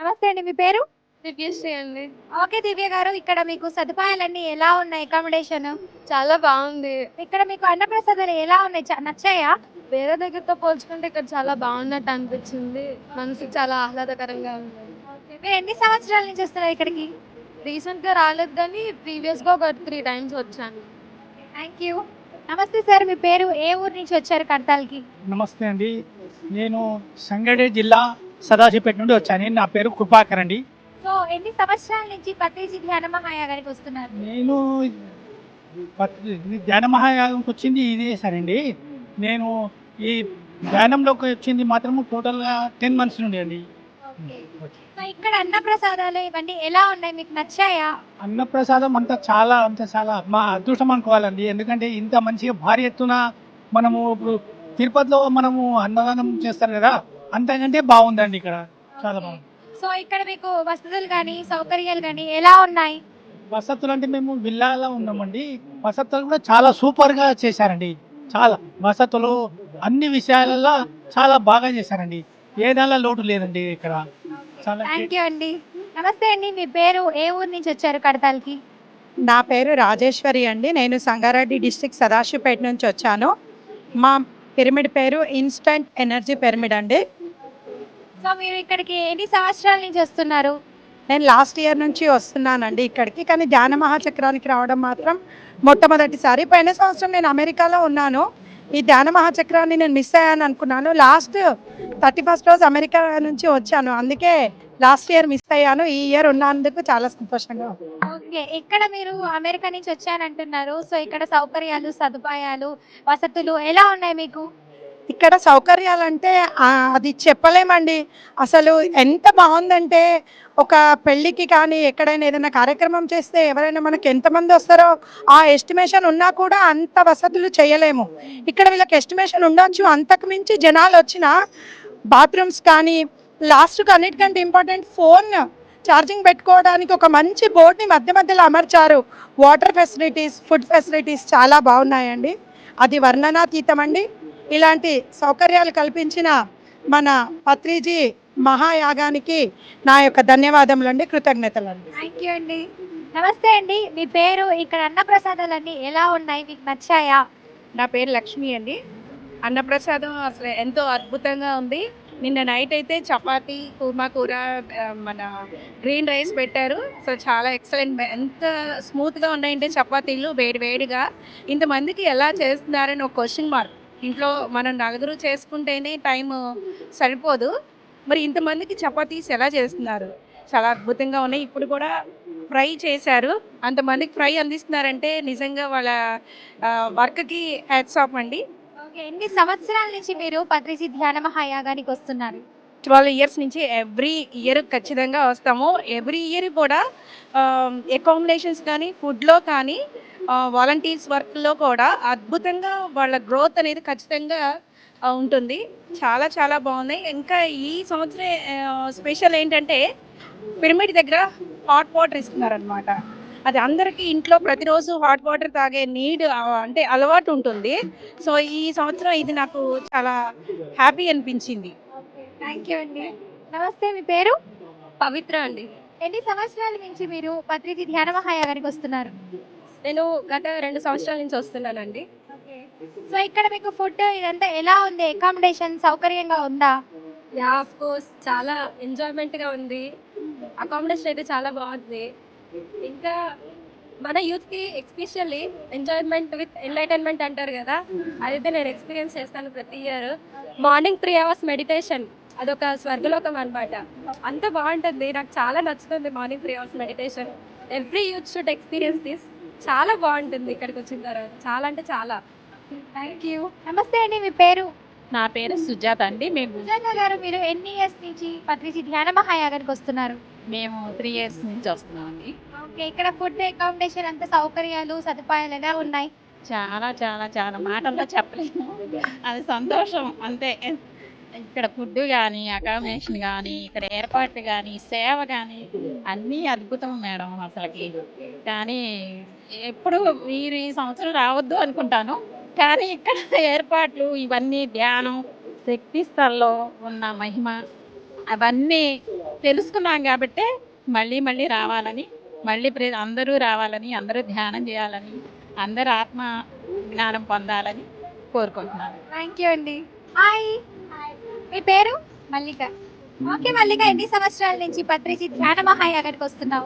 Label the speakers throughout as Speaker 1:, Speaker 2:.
Speaker 1: నమస్తే అండి. మీ పేరు?
Speaker 2: దివ్యశ్రీ అండి.
Speaker 1: ఓకే దివ్య గారు. ఇక్కడ మీకు సదుపాయాలన్నీ ఎలా ఉన్నాయి? అకామిడేషన్?
Speaker 2: చాలా బావుంది.
Speaker 1: ఇక్కడ మీకు అన్నప్రసాదాలు ఎలా ఉన్నాయి? నచ్చాయా?
Speaker 2: వేరే దగ్గరతో పోల్చుకుంటే ఇక్కడ చాలా బావున్నట్టు అనిపించింది. మనసుకి చాలా ఆహ్లాదకరంగా ఉంది.
Speaker 1: ఓకే. మీరు ఎన్ని సంవత్సరాల నుంచి వస్తున్నారు ఇక్కడికి?
Speaker 2: రీసెంట్‌గా రాలేదు గానీ ప్రీవియస్‌గా ఒక 3 టైమ్స్ వచ్చాను.
Speaker 1: Thank you. నమస్తే సార్. మీ పేరు? ఏ ఊరు నుంచి వచ్చారు కడతాల్‌కి?
Speaker 3: నమస్తే అండి. నేను సంగారెడ్డి జిల్లా సదాశివపేట నుండి వచ్చాను. నా పేరు కృపాకర్ అండి.
Speaker 1: సో ఎన్ని సంవత్సరాల నుంచి పత్రిజీ ధ్యాన మహాయాగానికి వస్తున్నారు?
Speaker 3: నేను ధ్యాన మహాయాగంకి వచ్చింది ఇదేసానండి. నేను ఈ ధ్యానంలోకి వచ్చింది మాత్రం టోటల్‌గా 10 మంత్స్ నుండి అండి.
Speaker 1: ఓకే. సో ఇక్కడ అన్నప్రసాదాలు ఇవన్నీ ఎలా ఉన్నాయి? మీకు నచ్చాయా?
Speaker 3: అన్నప్రసాదం చాలా మా అదృష్టం అనుకోవాలండి. ఎందుకంటే ఇంత మంచిగా భారీ ఎత్తున మనము ఇప్పుడు తిరుపతిలో మనము అన్నదానం చేస్తారు కదా! అంతకంటే బాగుందండి ఇక్కడ. చాలా బాగుంది.
Speaker 1: సో ఇక్కడ మీకు వసతులు గానీ, సౌకర్యాలు గానీ ఎలా ఉన్నాయి?
Speaker 3: వసతులు అంటే మేము విల్లాలో ఉన్నామండి. వసతులు కూడా చాలా సూపర్‌గా చేశారండి. చాలా వసతులు అన్ని విషయాలలో చాలా బాగా చేశారండి. ఏ దానిలో లోటు లేదండి ఇక్కడ. చాలా
Speaker 1: థ్యాంక్ యూ అండి. నమస్తే అండి. మీ పేరు? ఏ ఊరు నుంచి వచ్చారు కడతాల్‌కి?
Speaker 4: నా పేరు రాజేశ్వరి అండి. నేను సంగారెడ్డి డిస్ట్రిక్ట్ సదాశివపేట నుంచి వచ్చాను. మా పిరమిడ్ పేరు ఇన్‌స్టంట్ ఎనర్జీ పిరమిడ్ అండి.
Speaker 1: సో మీరు ఇక్కడికి ఎన్ని సంవత్సరాల నుంచి వస్తున్నారు?
Speaker 4: నేను లాస్ట్ ఇయర్ నుంచి వస్తున్నానండి ఇక్కడికి. కానీ ధ్యాన మహాచక్రానికి రావడం మాత్రం మొట్టమొదటిసారి. పోయిన సంవత్సరం నేను అమెరికాలో ఉన్నాను. ఈ ధ్యాన మహాచక్రాన్ని నేను మిస్ అయ్యాను అనుకున్నాను. లాస్ట్ 31st రోజు అమెరికా నుంచి వచ్చాను. అందుకే లాస్ట్ ఇయర్ మిస్ అయ్యాను. ఈ ఇయర్ ఉన్నందుకు చాలా సంతోషంగా ఉంది.
Speaker 1: ఓకే. ఇక్కడ మీరు అమెరికా నుంచి వచ్చానంటున్నారు. సో ఇక్కడ సౌకర్యాలు, సదుపాయాలు, వసతులు ఎలా ఉన్నాయి మీకు?
Speaker 4: ఇక్కడ సౌకర్యాలంటే అది చెప్పలేమండి. అసలు ఎంత బాగుందంటే ఒక పెళ్ళికి కానీ ఎక్కడైనా ఏదైనా కార్యక్రమం చేస్తే ఎవరైనా మనకి ఎంతమంది వస్తారో ఆ ఎస్టిమేషన్ ఉన్నా కూడా అంత వసతులు చేయలేము. ఇక్కడ వీళ్ళకి ఎస్టిమేషన్ ఉండొచ్చు, అంతకు మించి జనాలు వచ్చిన బాత్రూమ్స్ కానీ లాస్ట్‌కి అన్నిటికంటే ఇంపార్టెంట్ ఫోన్ ఛార్జింగ్ పెట్టుకోవడానికి ఒక మంచి బోర్డ్‌ని మధ్య మధ్యలో అమర్చారు. వాటర్ ఫెసిలిటీస్, ఫుడ్ ఫెసిలిటీస్ చాలా బాగున్నాయండి. అది వర్ణనాతీతం అండి. ఇలాంటి సౌకర్యాలు కల్పించిన మన పత్రిజీ మహాయాగానికి నా యొక్క ధన్యవాదములండి, కృతజ్ఞతలండి.
Speaker 1: థ్యాంక్ యూ అండి. నమస్తే అండి. మీ పేరు? ఇక్కడ అన్నప్రసాదాలన్నీ ఎలా ఉన్నాయి? మీకు నచ్చాయా?
Speaker 5: నా పేరు లక్ష్మి అండి. అన్నప్రసాదం అసలు ఎంతో అద్భుతంగా ఉంది. నిన్న నైట్ అయితే చపాతీ, కుర్మా కూర, మన గ్రీన్ రైస్ పెట్టారు. సో చాలా ఎక్సలెంట్. ఎంత స్మూత్‌గా ఉన్నాయంటే చపాతీలు వేడి వేడిగా. ఇంతమందికి ఎలా చేస్తున్నారని ఒక క్వెషన్ మార్క్. ఇంట్లో మనం నలుగురు చేసుకుంటేనే టైము సరిపోదు. మరి ఇంతమందికి చపాతీస్ ఎలా చేస్తున్నారు? చాలా అద్భుతంగా ఉన్నాయి. ఇప్పుడు కూడా ఫ్రై చేశారు. అంతమందికి ఫ్రై అందిస్తున్నారంటే నిజంగా వాళ్ళ వర్క్‌కి హ్యాట్స్ ఆఫ్ అండి.
Speaker 1: ఓకే. ఎన్ని సంవత్సరాల నుంచి మీరు పత్రిజీ ధ్యాన మహాయాగానికి వస్తున్నారు?
Speaker 5: 12 ఇయర్స్ నుంచి ఎవ్రీ ఇయర్ ఖచ్చితంగా వస్తాము. ఎవ్రీ ఇయర్ కూడా అకామిడేషన్స్ కానీ, ఫుడ్‌లో కానీ, వాలంటీర్స్ వర్క్‌లో కూడా అద్భుతంగా వాళ్ళ గ్రోత్ అనేది ఖచ్చితంగా ఉంటుంది. చాలా చాలా బాగున్నాయి. ఇంకా ఈ సంవత్సరం స్పెషల్ ఏంటంటే పిరమిడ్ దగ్గర హాట్ వాటర్ ఇస్తున్నారనమాట. అది అందరికీ ఇంట్లో ప్రతిరోజు హాట్ వాటర్ తాగే అంటే అలవాటు ఉంటుంది. సో ఈ సంవత్సరం ఇది నాకు చాలా హ్యాపీ అనిపించింది.
Speaker 1: ఓకే. థ్యాంక్ యూ అండి. నమస్తే. మీ పేరు?
Speaker 2: పవిత్ర అండి.
Speaker 1: ఎన్ని సంవత్సరాల నుంచి మీరు పత్రిజీ ధ్యాన మహాయాగానికి వస్తున్నారు?
Speaker 2: నేను గత 2 సంవత్సరాల నుంచి వస్తున్నానండి.
Speaker 1: ఓకే. సో ఇక్కడ మీకు ఫుడ్ ఇదంతా ఎలా ఉంది? అకామిడేషన్ సౌకర్యంగా ఉందా?
Speaker 2: యాహ్! ఆఫ్ కోర్స్ చాలా ఎంజాయ్‌మెంట్‌గా ఉంది. అకామిడేషన్ అయితే చాలా బాగుంది. ఇంకా మన యూత్‌కి ఎస్పెషల్లీ ఎంజాయ్‌మెంట్ విత్ ఎంటర్‌టైన్‌మెంట్ అంటారు కదా! అదైతే నేను ఎక్స్‌పీరియన్స్ చేస్తాను ప్రతి ఇయర్. మార్నింగ్ 3 అవర్స్ మెడిటేషన్ అదొక స్వర్గలోకం అనమాట. అంత బాగుంటుంది. నాకు చాలా నచ్చుతుంది morning 3 hours meditation. Every youth should experience this. చాలా బాగుంటుంది ఇక్కడికి వచ్చిన తర్వాత. చాలా అంటే చాలా.
Speaker 1: Thank you. నమస్తే అండి. మీ పేరు?
Speaker 6: నా పేరు సుజాత అండి.
Speaker 1: సుజాత గారు, మీరు ఎన్ని ఇయర్స్ నుంచి పత్రిజీ ధ్యాన మహాయాగానికి వస్తున్నారు?
Speaker 6: మేము 3 ఇయర్స్ నుంచి వస్తున్నామండి.
Speaker 1: ఓకే. ఇక్కడ ఫుడ్, అకామిడేషన్ అంతా సౌకర్యాలు, సదుపాయాలు ఎలా ఉన్నాయి?
Speaker 6: చాలా చాలా చాలా మాటల్లో చెప్పలేము. అది సంతోషం అంతే. ఇక్కడ ఫుడ్ కానీ, అకామిడేషన్ కానీ, ఇక్కడ ఏర్పాట్లు కానీ, సేవ కానీ అన్నీ అద్భుతం మేడం అసలకి. కానీ ఎప్పుడు మీరు ఈ సంవత్సరం రావద్దు అనుకుంటాను. కానీ ఇక్కడ ఏర్పాట్లు ఇవన్నీ ధ్యానం, శక్తి స్థల్లో ఉన్న మహిమ అవన్నీ తెలుసుకున్నాం కాబట్టి మళ్ళీ మళ్ళీ రావాలని, మళ్ళీ అందరూ రావాలని, అందరూ ధ్యానం చేయాలని, అందరూ ఆత్మ జ్ఞానం పొందాలని కోరుకుంటున్నాను.
Speaker 1: థ్యాంక్ యూ అండి. హాయ్, మీ పేరు? మల్లిక. ఓకే మల్లిక, ఎన్ని సంవత్సరాల నుంచి పత్రిజీ ధ్యాన మహాయాగానికి వస్తున్నావు?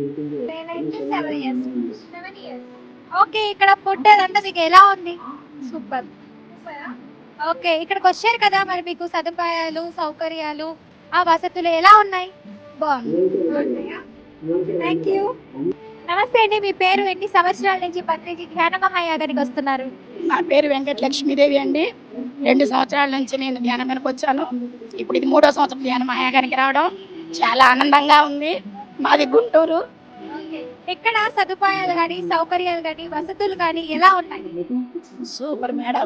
Speaker 1: 7 years. ఓకే, ఇక్కడ ఫుడ్ అదంతా మీకు ఎలా ఉంది? సూపర్. ఓకే, ఇక్కడికి వచ్చారు కదా, మరి మీకు సదుపాయాలు సౌకర్యాలు ఆ వసతులు ఎలా ఉన్నాయి? బాగుంది. Thank you. నమస్తే అండి, మీ పేరు? ఎన్ని సంవత్సరాల నుంచి పత్రిజీ ధ్యాన మహాయాగానికి వస్తున్నారు?
Speaker 7: నా పేరు వెంకట లక్ష్మీదేవి అండి. 2 సంవత్సరాల నుంచి నేను ధ్యానానికి వచ్చాను. ఇప్పుడు ఇది 3వ సంవత్సరం ధ్యాన మహాయాగానికి రావడం. చాలా ఆనందంగా ఉంది. మాది గుంటూరు.
Speaker 1: ఇక్కడ సదుపాయాలు కానీ సౌకర్యాలు కానీ వసతులు కానీ ఎలా ఉన్నాయి?
Speaker 7: Super madam.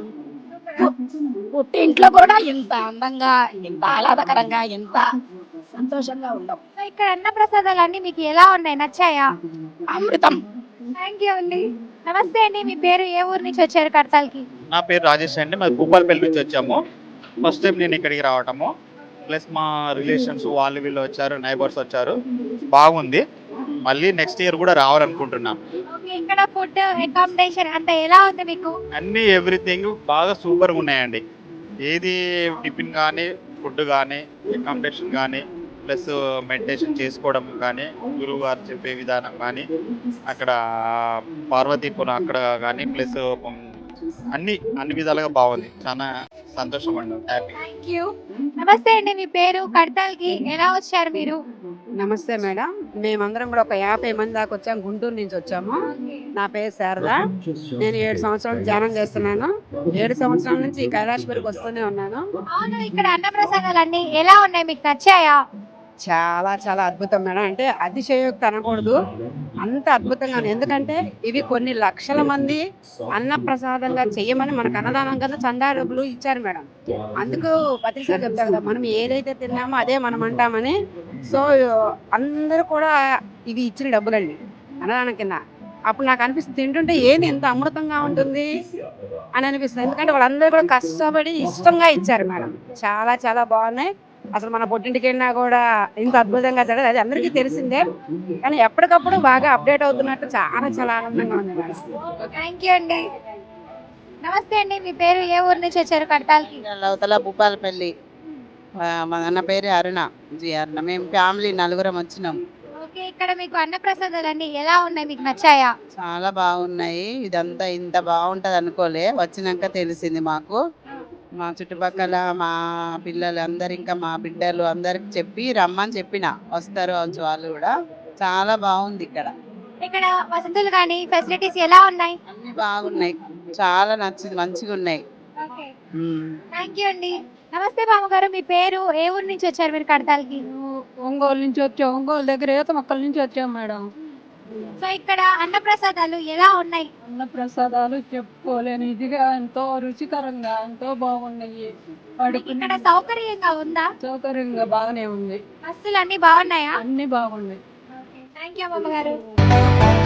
Speaker 7: పుట్టి ఇంట్లో కూడా ఇంత అందంగా, ఇంత ఆహ్లాదకరంగా, ఇంత సంతోషంగా ఉండవు.
Speaker 1: ఇక్కడ అన్న ప్రసాదాలు అన్ని మీకు ఎలా ఉన్నాయి? నచ్చాయా?
Speaker 7: అమృతం.
Speaker 1: థ్యాంక్ యూ అండి. నమస్తే అండి, మీ పేరు? ఏ ఊరు నుంచి వచ్చారు కడతాల్కి?
Speaker 8: నా పేరు రాజేష్ అండి. మాది భూపాలపల్లి నుంచి వచ్చాము. ఫస్ట్ టైం నేను ఇక్కడికి రావటము, ప్లస్ మా రిలేషన్స్ వాళ్ళు వీళ్ళు వచ్చారు, నైబర్స్ వచ్చారు. బాగుంది. మళ్ళీ నెక్స్ట్ ఇయర్ కూడా రావాలనుకుంటున్నాం.
Speaker 1: ఓకే, ఇక్కడ ఫుడ్ అకామిడేషన్ అంతా ఎలా ఉంది మీకు?
Speaker 8: అన్నీ ఎవ్రీథింగ్ బాగా సూపర్గా ఉన్నాయండి. ఏది టిఫిన్ కానీ, ఫుడ్ కానీ, అకామిడేషన్ కానీ, ప్లస్ మెడిటేషన్ చేసుకోవడం కానీ, గురువు గారు చెప్పే విధానం కానీ, అక్కడ పార్వతీపురం అక్కడ కానీ, ప్లస్ అన్ని విధాలుగా బాగుంది. చాలా సంతోషం అండి, హ్యాపీ.
Speaker 1: Thank you. నమస్తే అండి, మీ పేరు? కడతాల్కి ఎలా వచ్చారు మీరు?
Speaker 9: నమస్తే మేడం, మేమందరం కూడా ఒక 50 మంది దాకా వచ్చాము. గుంటూరు నుంచి వచ్చాము. నా పేరు శారద. నేను 7 సంవత్సరాలు ధ్యానం చేస్తున్నాను. 7 సంవత్సరాల నుంచి ఈ కైలాసపురికి వస్తూనే ఉన్నాను.
Speaker 1: అవును, ఇక్కడ అన్న ప్రసాదాలు అన్ని ఎలా ఉన్నాయి? మీకు నచ్చాయా?
Speaker 9: చాలా చాలా అద్భుతం మేడం. అంటే అతిశయోక్తి అనకూడదు, అంత అద్భుతంగా ఉంది. ఎందుకంటే ఇవి కొన్ని లక్షల మంది అన్నప్రసాదంగా చెయ్యమని మనకు అన్నదానం కన్నా చందా డబ్బులు ఇచ్చారు మేడం. అందుకు పత్రిక చెప్తారు కదా, మనం ఏదైతే తిన్నామో అదే మనం అంటామని. సో అందరూ కూడా ఇవి ఇచ్చిన డబ్బులండి అన్నదానం కింద. అప్పుడు నాకు అనిపిస్తుంది, తింటుంటే ఏంది ఎంత అమృతంగా ఉంటుంది అని అనిపిస్తుంది. ఎందుకంటే వాళ్ళందరూ కూడా కష్టపడి ఇష్టంగా ఇచ్చారు మేడం. చాలా చాలా బాగున్నాయి. అసలు మన పుట్టింటికి వెళ్ళినా కూడా ఇంత అద్భుతంగా జరగదు, అది అందరికీ తెలిసిందే. కానీ ఎప్పటికప్పుడు బాగా అప్డేట్ అవుతున్నట్టు చాలా చాలా ఆనందంగా ఉంది మేడం.
Speaker 1: థ్యాంక్ యూ అండి. నమస్తే అండి, మీ పేరు? ఏ ఊరు నుంచి వచ్చారు కడతాల్కి?
Speaker 10: అవతల భూపాలపల్లి. మా అన్న పేరు అరుణ, అరుణ. మేము ఫ్యామిలీ 4 వచ్చినాం.
Speaker 1: ఓకే, ఇక్కడ మీకు అన్న ప్రసాదాలు అన్ని ఎలా ఉన్నాయి? మీకు నచ్చాయా?
Speaker 10: చాలా బాగున్నాయి. ఇదంతా ఇంత బాగుంటది అనుకోలే, వచ్చినాక తెలిసింది మాకు. మా చుట్టుపక్కల మా పిల్లలు అందరు, ఇంకా మా బిడ్డలు అందరికి చెప్పి రమ్మని చెప్పిన, వస్తారు వాళ్ళు కూడా. చాలా బాగుంది ఇక్కడ.
Speaker 1: ఇక్కడ వసతులు కానీ ఫెసిలిటీస్ ఎలా ఉన్నాయి?
Speaker 10: అన్ని బాగున్నాయి, చాలా నచ్చింది, మంచిగా ఉన్నాయి.
Speaker 1: ఓకే, థ్యాంక్ యూ అండి. నమస్తే బామ్మగారు, మీ పేరు? ఏ ఊరు నుంచి వచ్చారు మీరు కడతాల్కి?
Speaker 5: ఒంగోలు నుంచి వచ్చాం. ఒంగోలు దగ్గర ఈత మొక్కల నుంచి వచ్చాం మేడం.
Speaker 1: సో ఇక్కడ అన్న ప్రసాదాలు ఎలా ఉన్నాయి?
Speaker 5: అన్న ప్రసాదాలు చెప్పుకోలేని ఇదిగా, ఎంతో రుచికరంగా, ఎంతో బాగున్నాయి.
Speaker 1: ఇక్కడ సౌకర్యంగా ఉందా?
Speaker 5: సౌకర్యంగా బాగానే ఉంది.
Speaker 1: బస్సులు అన్ని బాగున్నాయా?
Speaker 5: అన్ని బాగున్నాయి.
Speaker 1: థ్యాంక్ యూ బామ్మగారు.